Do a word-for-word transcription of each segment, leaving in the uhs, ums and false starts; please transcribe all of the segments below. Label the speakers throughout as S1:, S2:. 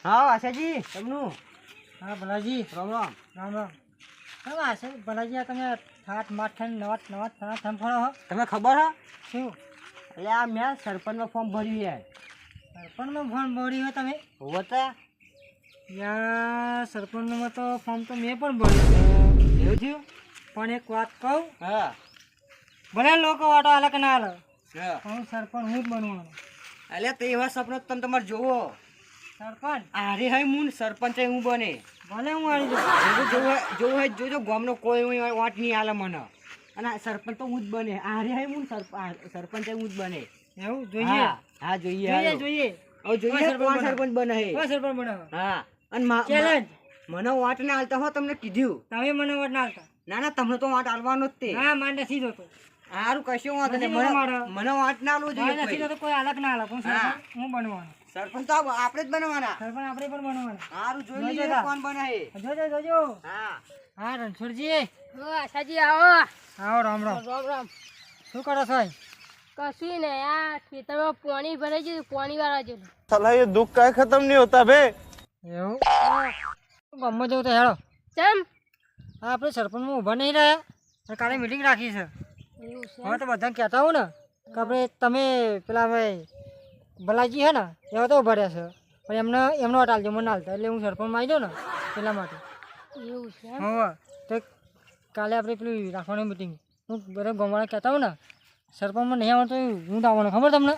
S1: હા આશાજી તમનું
S2: હા ભલાજી
S1: રામ રામ
S2: રામ રામ કેમ આશે ભલાજી આ તમે ઠાઠ માઠ નવા નવા થણા થમ ફળો હો
S1: તમને ખબર હે
S2: શું
S1: એટલે આ મેં સરપંચમાં ફોર્મ ભર્યું યાર
S2: સરપંચમાં ફોર્મ ભર્યું હો તમે
S1: હોતા
S2: યાર સરપંચમાં તો ફોર્મ તો મેં પણ ભર્યું છે
S1: એવું થયું
S2: પણ એક વાત કહું
S1: હા
S2: ભલે લોકો વાટો હાલે કે ના હાલે
S1: હા
S2: હું સરપંચ હું જ બનવાનો
S1: એટલે તો એવા સપનો તમે તમારે જોવો
S2: સરપંચ
S1: આરે હઈ હું સરપંચ હું બને
S2: ભલે હું આવી જાઉં
S1: જોવું જોવું હોય જોજો ગામનો કોઈ વાટ નહીં હાલે મને અને આ સરપંચ તો હું જ બને આરે હઈ હું સરપંચ હું જ બને
S2: એવું જોઈએ
S1: હા હા જોઈએ
S2: જોઈએ
S1: હાલો.
S2: જોઈએ
S1: હવે જોઈએ કોણ સરપંચ બને હે
S2: કોઈ સરપંચ બનાવો
S1: હા અને મા-
S2: ચેલેન્જ
S1: મને વાટ ના હાલતા હો તમને કીધું
S2: તમે મને વોટ ના આપતા
S1: ના ના તમને તો વાટ હાલવાનો જ તે
S2: ના મારે નથી જોતો
S1: સારું કશું વાંધો નહીં
S2: નથી
S1: મને
S2: મારે.
S1: મને વાટ ના આલવું
S2: મારે
S1: જોઈએ
S2: નથી
S1: કોઈ.
S2: જોતો કોઈ હાલક ના હાલક હું
S1: હા.
S2: સરપંચ હું બનવાનો
S1: સરપંચ તો આપ- આપણે જ બનવાના
S2: સરપંચ આપણે પણ બનવાનો
S1: સારું જોઈ
S2: જોજો
S1: લઈએ
S2: તા.
S1: કોણ બને હે
S2: જોજો જોજો
S1: હા
S2: હા રણછોડજી
S3: હો આશાજી આવો
S2: આવો રામ રામ
S3: રામ રામ
S2: શું કરો છો
S3: કશું ને આ ખેતરમાં પાણી ભરાઈ ગયું પાણી વાળા જેવું
S4: साला ये दुख का खत्म नहीं होता बे।
S2: એવું ગામમાં જવું તો હેડો
S3: ચમ
S2: હા આપણે સરપંચમાં ઊભા નહીં રહ્યા અને કાલે મિટિંગ રાખી છે
S3: એવું છે
S2: હવે તો બધાને કહેતા હોઉં ને કે આપણે તમે પેલા ભાઈ ભલાજી છે ને એવા તો ઊભા રહ્યા છે પણ એમને એમનો વાટ આલજો મને હાલતા એટલે હું સરપંચમાં આવી જાઉં ને પેલા માટે
S3: એવું છે એમ?
S2: હા તો કાલે આપણે પેલી રાખવાની મિટિંગ હું બધા ગામવાળા કહેતા હોઉં ને સરપંચમાં નહીં આવવાનું તો હું તો આવવાનો ખબર તમને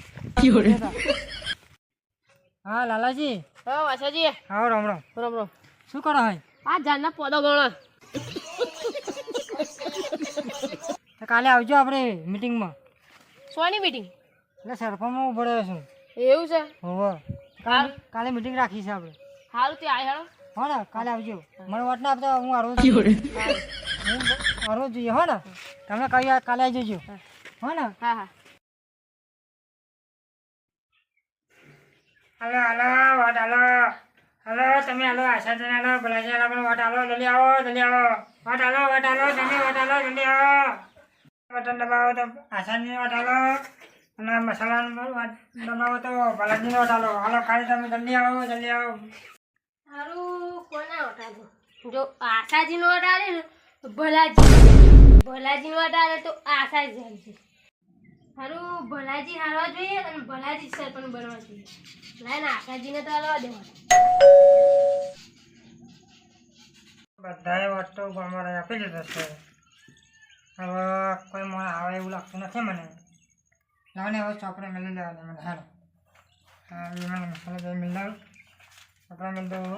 S2: હા લાલાજી
S3: હો આશાજી
S2: આવો રામ રામ
S3: રામ રામ
S2: શું કરો ભાઈ
S3: આ ઝાડના પોદો ગણો
S2: તો કાલે આવજો આપણે મિટિંગમાં
S3: સોની મીટિંગ
S2: એટલે સરપંચમાં ઊભો રહ્યો છું
S3: એવું છે
S2: હોવે કાલે કાલે મિટિંગ રાખી છે આપણે
S3: સારું તે આય હેડો
S2: હો ને કાલે આવજો મને વાત ના આપતા હું હારવો હું હારવો જોઈએ હો ને તમે કહી કાલે આવી જજો હો ને
S3: હા હા
S2: હાલો હાલો વાટ હાલો હાલો તમે હાલો આશા જન હાલો ભલાજી હાલો પણ વાટ હાલો જલ્દી આવો જલ્દી આવો વાટ હાલો વાટ હાલો તમે વાટ હાલો જલ્દી આવો બટન દબાવો તો આશાની વાટ હાલો અને મસાલાનો વાટ દબાવો તો ભલાજીનો વાટ હાલો હાલો ખાલી તમે જલ્દી આવો જલ્દી આવો
S3: સારું કોના વટાડો જો આશાજી નો વટાડે ને તો ભલાજી ભલાજી નો વટાડે તો આશાજી હાલશે સારું ભલાજી હારવા જોઈએ અને ભલાજી સરપંચ બનવા જોઈએ લાઈને આશાજીને તો હાલવા દેવા
S2: બધાએ વાત તો અમારે આપી દીધો છે હવે કોઈ મને આવે એવું લાગતું નથી મને લાવને હવે ચોપડે મેળવી લેવાની મને હાલો હા એ મને મસાલા જઈ મિલાવ ચોપડા મેળ દો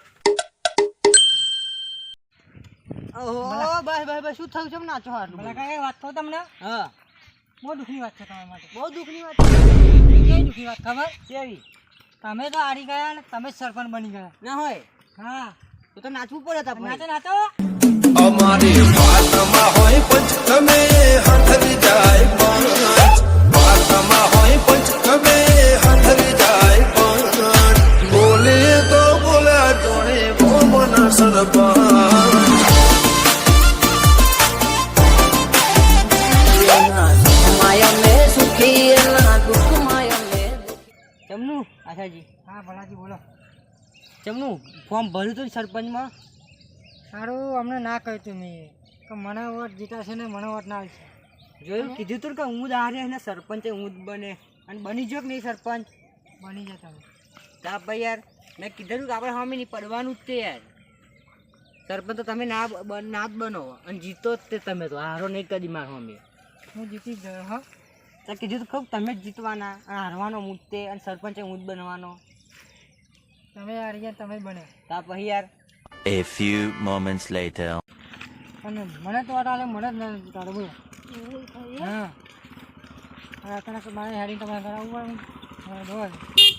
S1: ઓહો બસ બસ બસ શું થયું છે નાચો આટલું
S2: ભલા કાંઈ વાત કહું તમને
S1: હા
S2: બહુ દુઃખની વાત છે તમારા માટે
S1: બહુ દુઃખની વાત
S2: કઈ દુઃખની વાત ખબર
S1: કેવી
S2: તમે તો હારી ગયા ને તમે જ સરપંચ બની ગયા
S1: ના હોય
S2: હા
S1: તો તો નાચવું પડે તા
S2: નાચો
S1: પછી
S2: નાચો
S4: અમારી વાતમાં હોય પંચ તમે હાથરી જાય પાંચ વાતમાં હોય પંચ તમે હાથરી જાય પાંચ બોલે તો બોલ્યા જોડે બોમના સરપંચ
S1: ચમનું આશાજી
S2: હા ભલાજી બોલો
S1: ચમનું ફોર્મ ભર્યું હતું ને સરપંચમાં
S2: સારું અમને ના કહ્યું તું મેં કે મને વોટ જીતાશે ને મને વોટ ના આવશે
S1: જોયું કીધું તું કે હું જ હારે ને સરપંચ હું જ બને અને બની ગયો કે નહીં સરપંચ
S2: બની જાય તમે
S1: તા ભાઈ યાર મેં કીધું કે આપણે સામે નહીં પડવાનું જ તે યાર સરપંચ તો તમે ના બ- ના જ બનો અને જીતો જ તે તમે તો હારો નહીં કદી મારો અમે
S2: હું જીતી જ ગયો હા
S1: તો કીધું તો ખબર તમે જ જીતવાના અને હારવાનો હું જ તે અને સરપંચ હું જ બનવાનો
S2: તમે હારી ગયા તમે જ બન્યા
S1: તા પછી યાર
S5: A few moments later.
S2: અને મને તો વાટ આવે મને જ ના તારે બોલો
S3: એવું થયું
S2: હા હવે અત્યારે તો મારે હેડી તમારે કરાવવું પડે જોવા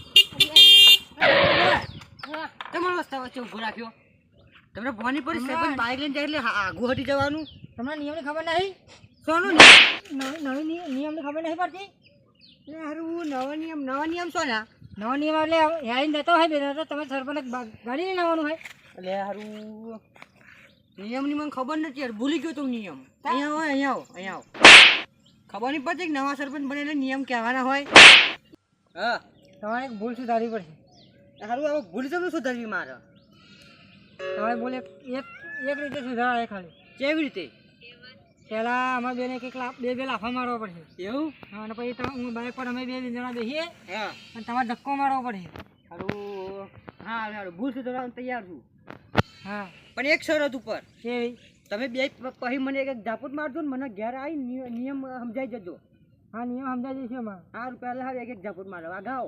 S1: તમારો રસ્તા વચ્ચે ઊભો રાખ્યો તમને ભવાની પડી સરપંચ બાઇક લઈને જાય એટલે હા- આઘું હટી જવાનું
S2: તમને નિયમની ખબર નહીં
S1: સોનું
S2: નવી નવી નિ- નિયમની ખબર નહીં પડતી
S1: એટલે હારું નવા નિયમ નવા નિયમ છો ને
S2: નવો નિયમ એટલે હેડીને જતો હોય બે તો તમે સરપંચ ગાડી લઈને આવવાનું હોય
S1: એટલે હારું નિયમની મને ખબર નથી યાર ભૂલી ગયો તો નિયમ અહીંયા હોય અહીંયા આવો અહીંયા આવો ખબર નહીં પડતી કે નવા સરપંચ બને એટલે નિયમ કહેવાના હોય હા
S2: તમારે એક ભૂલ સુધારવી પડશે
S1: હારું હવે ભૂલ તમને સુધારવી મારે
S2: હવે બોલે એક એક રીતે સુધારાય ખાલી
S1: કેવી રીતે
S2: પહેલા અમારે બેને કંઈક લાફ બે બે લાફા મારવા પડશે
S1: એવું
S2: હા, અને પછી તમે હું બાઇક પર અમે બે જણા બેસીએ
S1: હા
S2: અને તમારે ધક્કો મારવો પડશે.
S1: હારું હા હારું ભૂલ સુધારવાનું તૈયાર છું
S2: હા
S1: પણ એક શરત ઉપર
S2: કેવી?
S1: તમે બે પ- પછી મને એક ઝાપટ મારજો ને મને ઘેર આવી નિય- નિયમ સમજાઈ જજો
S2: હા નિયમ સમજાવી દઈશું અમારે.
S1: હારું પહેલા હારું એક એક ઝાપટ મારો આગાઓ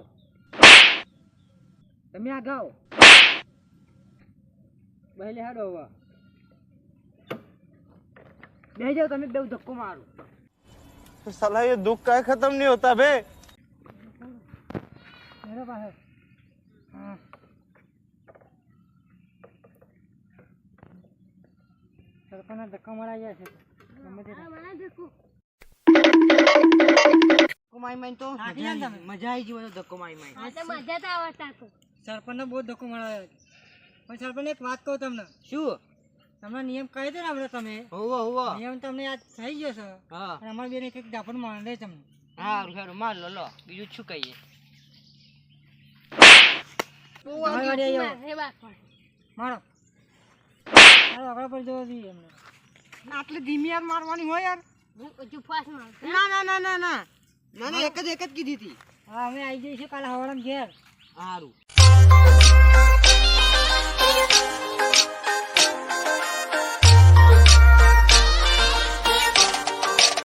S1: તમે આગાઓ પહેલે હાડો હવે બે જાઓ તમે બે ધક્કો મારો
S6: साला ये दुख का खत्म नहीं होता बे.
S2: મેરો પાસે હા સરપંચના ધક્કા મરાઈ ગયા છે ગમે તે
S3: હા, મને દેખો.
S1: ધક્કો મારી મારી તો
S2: થાકી
S1: મજા
S2: જાય ને
S1: આવી- મજા આવી ગઈ ધક્કો મારી મારી
S3: હા, તો મજા તો આવતા તો.
S2: સરપંચને બહુ ધક્કો મરાયો છે. પણ સરપંચ એક વાત કહું તમને,
S1: શું
S2: તમને નિયમ કહી દો ને આપણે તમે
S1: હોવો હોવો
S2: નિયમ તમને યાદ થઈ ગયો છે
S1: હા
S2: અને અમારે બેને કંઈક ઝાપટ મારે તમને.
S1: હારું હારું માર લો લો બીજું શું કહીએ
S2: તમારી વાડી આવી જાઓ.
S3: મારે બાપા.
S2: મારો મારો આગળ પર જવો જોઈએ એમને.
S1: આટલી ધીમી યાર મારવાની હોય યાર
S3: હું હજુ ફાસ મારું.
S1: ના ના ના ના ના ના ના એક જ એક જ કીધી હતી
S2: હા અમે આવી જઈશું કાલે હવાડામાં ઘેર.
S1: હારું